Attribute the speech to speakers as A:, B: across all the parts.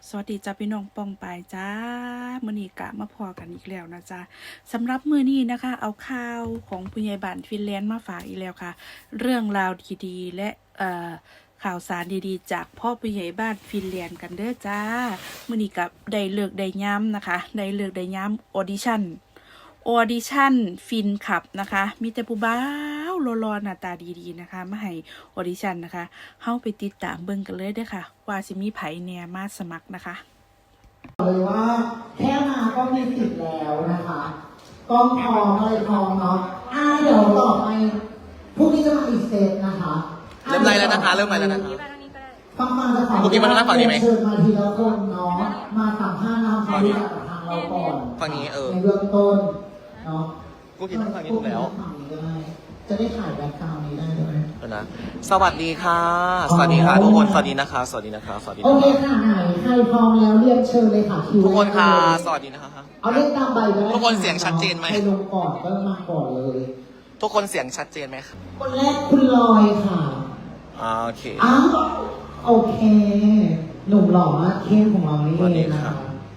A: สวัสดีจ้าพี่น้องปองปายจ้ามื้อนี้กะมาพอกันอีกแล้วนะจ๊ะสำหรับมื้อนี้นะคะ เอาข่าวของผู้ใหญ่บ้านฟินแลนด์มาฝากอีกแล้วค่ะ เรื่องราวดีๆและข่าวสารดีๆ จากพ่อผู้ใหญ่บ้านฟินแลนด์กันเด้อจ้ามื้อนี้กับได้เลิกได้ย้ำนะคะได้เลิกได้ย้ำออดิชั่นฟินขับนะคะ มีแต่ผู้บ่าวรอๆหน้าตาดีๆนะคะมาให้ออดิชั่นนะคะเข้าไปติดตามเบิ่งกันเลยเด้อค่ะ ว่าสิมีไผแหน่มาสมัครนะคะ
B: เลยว่าแค่มาก็มีสิทธิ์แล้วนะคะกล้องพร้อมอะไรพร้อมเนาะเดี๋ยวต่อไปพรุ่งนี้จะมาอีกเซตนะคะ
C: เริ่มไล่แล้วนะคะเริ่มไล่แล้วนะคะ
B: ฟังจะขอ
C: พรุ่งนี้มาทางฝั่งนี้ไหม
B: เชิญมาทีละคนเนาะมาสัมภาษณ์เราความรู้จักกับทางเราก่อน
C: ฝั่งนี้
B: ในเบื้องต้นเนาะ
C: กูคิดว่าฝั่งนี้ถูกแล้ว
B: ฝั่งนี้ก็ได้จะได้ถ่ายแบ็คกราวด์นี้ได้ด้วย
C: นะสวัสดีค่ะ สวัสดีค่ะทุกคนสวัสดีนะคะสวัสดีนะคะสวัสดี
B: โอเคค่ะไหนใครพร้อมแล้วเรียกเชิญเลยค่ะคิว
C: ทุกคนค่ะสวัสดีนะคะ
B: เอาเล่นตามใบไป
C: ทุกคนเสียงชัดเจนไหม
B: ใครลงก่อนก็มาก่อนเลย
C: ทุกคนเสียงชัดเจนไหมคะ
B: คนแรกคุณลอยค่ะ
C: โอเค
B: โอเค หนุ่มหล่อมากเข้มของเรานี่เองนะคะ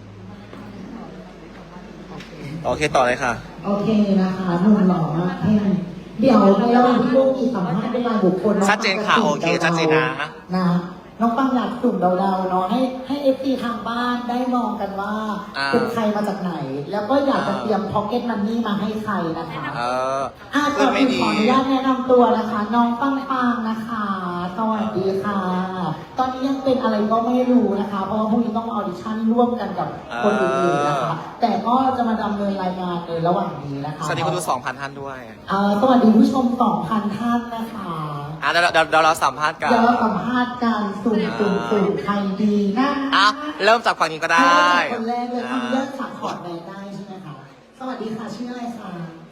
C: โอเคต่อเลยค่ะ
B: โอเคนะคะหนุ่มหล่อมากเข้มเดี๋ยวในระหว่างที่ลูกมีสัมภาษณ์เป็นรายบุคคล
C: ชัดเจนค่ะโอเคชัดเจนนะ
B: น้องปังอยากสุ่มเดาๆเนาะให้เอฟซีทางบ้านได้มองกันว่าเป็นใครมาจากไหน แล้วก็อยากจะเตรียมพ็อกเก็ตมันนี่มาให้ใครนะคะก่อนอื่นขออนุญาตแนะนำตัวนะคะ น้องปังนะคะสวัสดีค่ะ ตอนนี้ยังเป็นอะไรก็ไม่รู้นะคะ เพราะว่าพรุ่งนี้ต้องออดิชั่นร่วมกันกับคนอื่นๆนะคะ แต่ก็จะมาดำเนินรายงานในระหว่างนี้นะคะ
C: สวัสดีคุณดู 2,000 ท่านด้วย
B: สวัสดีผู้ชม 2,000 ท่านนะคะ
C: เดี๋ยวเราสัมภาษณ์กัน
B: เดี๋ยวเราสัมภาษณ์กันสุ่มใครดีนะ
C: เริ่มจากฝั่งนี้ก็ได้
B: คนแรกเลยทำเรื่องสักขอดแบรนด์ได้ใช่ไหมคะสวัสดีค่ะชื่ออะไรคะ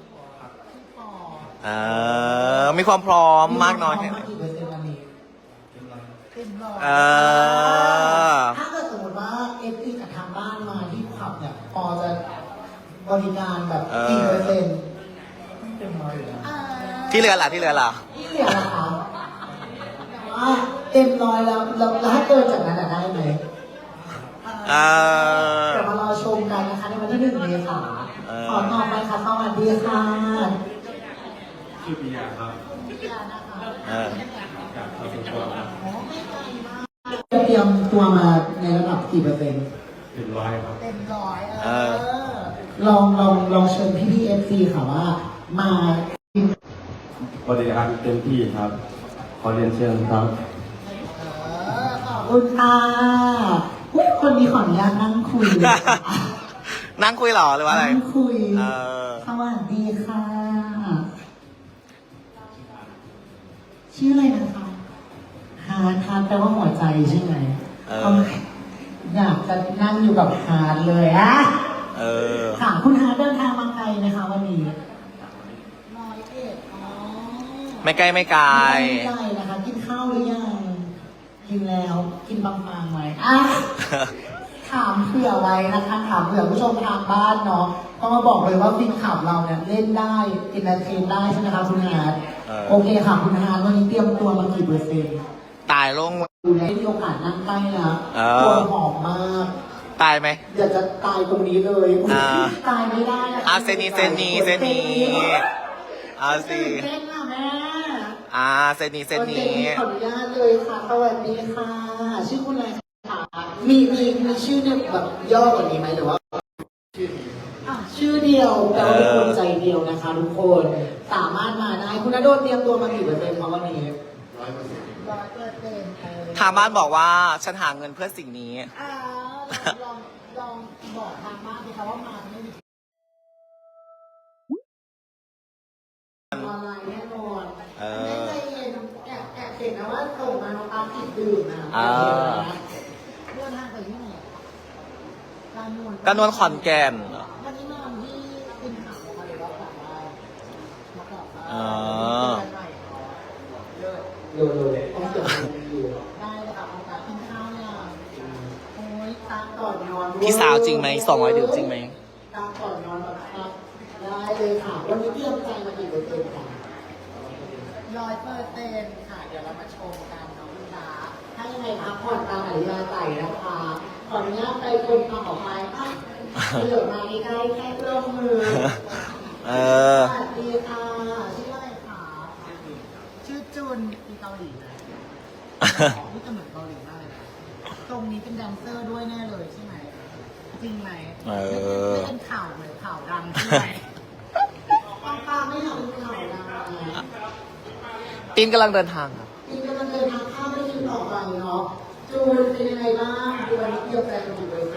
C: มีความพร้อมมากน้อยแค่ไหน
B: ถ้าเกิดสมมติว่าเอฟซีกับทางบ้านมาที่ขับเนี่ยพอจะบริการแบบกี่เปอร์เซ็นต์เต็มร้อยอยู่แล้ว
C: ที่เหลือล่ะ
B: ที่เหลือล่ะคะว่าเต็มร้อยแล้วถ้าเกินจากนั้นได้ไหมเดี๋ยวมารอชมกันนะคะในวันที่1 เมษายนขอต่อไปค่ะสวัสดีค่ะ
D: ชื่อปิยาครับ
B: เตรียมตัวมาในระดับกี่เปอร์เซ็นต์
D: เต็มร้อยครับ
B: เต็มร้อยลองเชิญพี่เอฟซีค่ะว่ามา
D: บริการเต็มที่ครับขอเรียนเชิญครับ
B: ขอบคุณค่ะคนนี้ขออนุญาตนั่งคุย
C: นั่งคุยหรอหรือว่าอะไร
B: นั่งคุยสวัสดีค่ะชื่ออะไรนะคะฮาร์ดแปลว่าหัวใจใช่ไหมอยากจะนั่งอยู่กับฮาร์ดเลยค่ะคุณฮาร์ดเดินทางมาไกลนะคะวันนี้
C: ไม่ไกลไม่ไกล
B: นะคะกินข้าวหรือยังกินแล้วกินบางๆไหมถามเผื่อไว้นะคะถามเผื่อผู้ชมทางบ้านเนาะก็มาบอกเลยว่าฟินขับเราเนี่ยเล่นได้อินเตอร์เทนได้ใช่ไหมคะคุณฮาร์ดโอเคค่ะคุณฮาร์ดวันนี้เตรียมตัวมากี่เปอร์เซ็นต์
C: ตายลง
B: ดูในมีโอกาสนั่งใกล้นะตัวหอมมาก
C: ตายไหม
B: อยากจะตายตรงนี้เลยตายไม่ได้
C: เซนีสิ
B: เต้นค่ะแม่
C: เซนี
B: ขออนุญาตเลยค่ะสวัสดีค่ะชื่อคุณอะไรคะมีชื่อเนี่ยแบบย่อกว่านี้ไหมหรือว่าชื่อเดียวแต่ว่าเป็นคนใจเดียวนะคะทุกคนสามารถมาได้คุณณโดนเตรียมตัวมากี่เปอร์เซ็นต์คะวันนี้
C: ทางบ้านบอกว่าฉันหาเงินเพื่อสิ่งนี้
B: ลองบอกทางบ้านสิคะว่ามาไม่มีออนไลน์แน่นอนไม่ใจเย็นแอบเห็นนะว่าส่งมาน้องตาติดดื่มนะเรื่องทางไปที่ไหน
C: กระนวลขอนแก่น
B: วันนี้มาที่เป็นข่าวนะคะหรือว่าข่าวได้มาก่อนต้องเจออยู่ได้เลยค่ะตากินข้าวเนี่ยโอ้ยตาก่อนนอน
C: พี่สาวจริงไหม200 ดื่มจริงไหม
B: ตาก่อนนอนแบบครับได้เลยค่ะวันนี้เตรียมใจมากี่เปอร์เซ็นต์ค่ะ100%ค่ะเดี๋ยวเรามาชมกันน้องคุณตาถ้ายังไงพักผ่อนตามอริยาไต่นะคะขออนุญาตไปคนต่อไปค่ะเหลือมาใกล้ๆแค่เอื้อมมือ
C: เออ
B: สวัสดีค่ะชื่ออะไรคะชื่อจุนมีเกาหลีไหมนี่จะเหมือนเกาหลีมากเลยนะตรงนี้เป็นแดนเซอร์ด้วยแน่เลยใช่ไหมจริงไหม
C: เออ
B: ไม่เป็นข่าวเหมือนข่าวดังใช่ไหมป้าไม่อยากเป็นข่าวดังนะ
C: ปินกำลังเดินทางครับ
B: จริงๆมันเดินทางข้ามไม่ถึงต่อไปเนาะจูนเป็นยังไงบ้างดูวันนี้เกี่ยวกับการดูเลย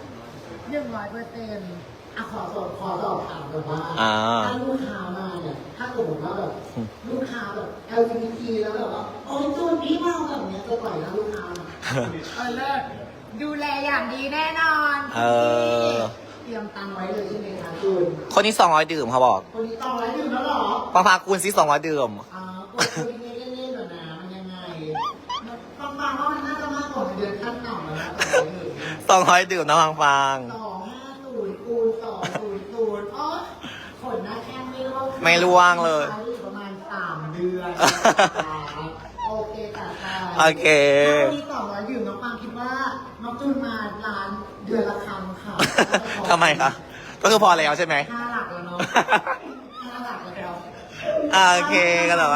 B: 100%อ่ะขอสอบถามแบบว่าถ้าลูกค้ามาเนี่ยถ้าสมมติว่าแบบลูกค้าแบบ LGBT แล้วแบบว่าโอ้ยจูนพี่มาแบบเนี้ยจะปล่อยแล้วลูกค้ามาเลิศดูแลอย่างดีแน่นอน
C: เออ
B: เตรียมตังค์ไว้เลยใช่ไหมคะจูน
C: คนนี้200ดื่มเขาบอก
B: คนนี้ต้องไว้ดื่มแล้วเหรอ
C: ฟังพาคุณซิ200ดื่ม
B: กดคุยเล่นๆแบบนะมันยังไงฟังว่ามันน่าจะมากกว่าเดือนขั้นต่ำแล้วนะ
C: 200ดื่มนะฟังฟัง
B: 250คูณ200อ๋อขนหน้าแข้งไม่ร่วง
C: ไม่ร่วงเลย
B: ประมาณ3 เดือนโอเคค่ะ
C: โอเค
B: ถ้ามี200ดื่มน้องฟางคิดว่าน้องจูนมาร้านเดือนละครั้งค่ะ
C: ทำไมคะ ก็คือพอแล้วใช่ไหม
B: 5 หลักแล้วเนาะ5 หลักแล้ว
C: โอเคกันต่อไป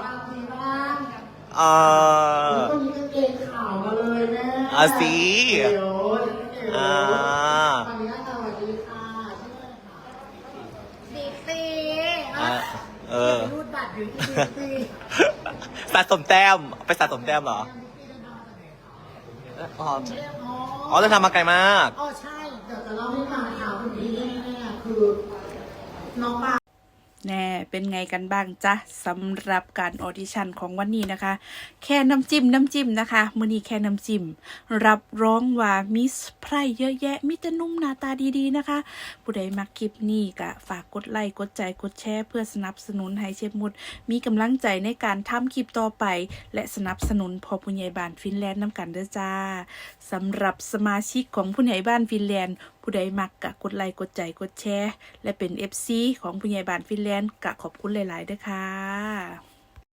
B: คนนี้ก็เกงขาวมาเลยแม่
C: เอาสิ
B: เดี๋ยว
C: อ่า
B: ตอนนี้สวัสดีค่ะชื่ออะไรคะดีซี
C: เออ
B: รูดบัตรอยู่ที่ดีซี
C: สะสมแต้ม ไปสะสมแต้มเหรอ อ๋อเดินทางมาไกลมาก
B: อ๋อใช่ เดี๋ยวจะเล่าให้ฟังค่ะคนนี้แน่ๆคือน้องปา
A: แน่เป็นไงกันบ้างจ๊ะสำหรับการออดิชั่นของวันนี้นะคะ แค่น้ำจิ้มนะคะมื้อนี้แค่น้ำจิ้มรับรองว่ามิสไพรเยอะแยะมิตรนุ่มหน้าตาดีๆนะคะ ผู้ใดมักคลิปนี้ก็ฝากกดไลค์กดใจกดแชร์เพื่อสนับสนุนให้เชฟมุดมีกำลังใจในการทำคลิปต่อไป และสนับสนุนพอผู้ใหญ่บ้านฟินแลนด์นำกันเด้อจ้าสำหรับสมาชิกของผู้ใหญ่บ้านฟินแลนด์ผู้ใดมักกะกดไลค์กดใจกดแชร์และเป็น FC ของผู้ใหญ่บ้านฟินแลนด์กะขอบคุณหลายๆด้วยค่ะ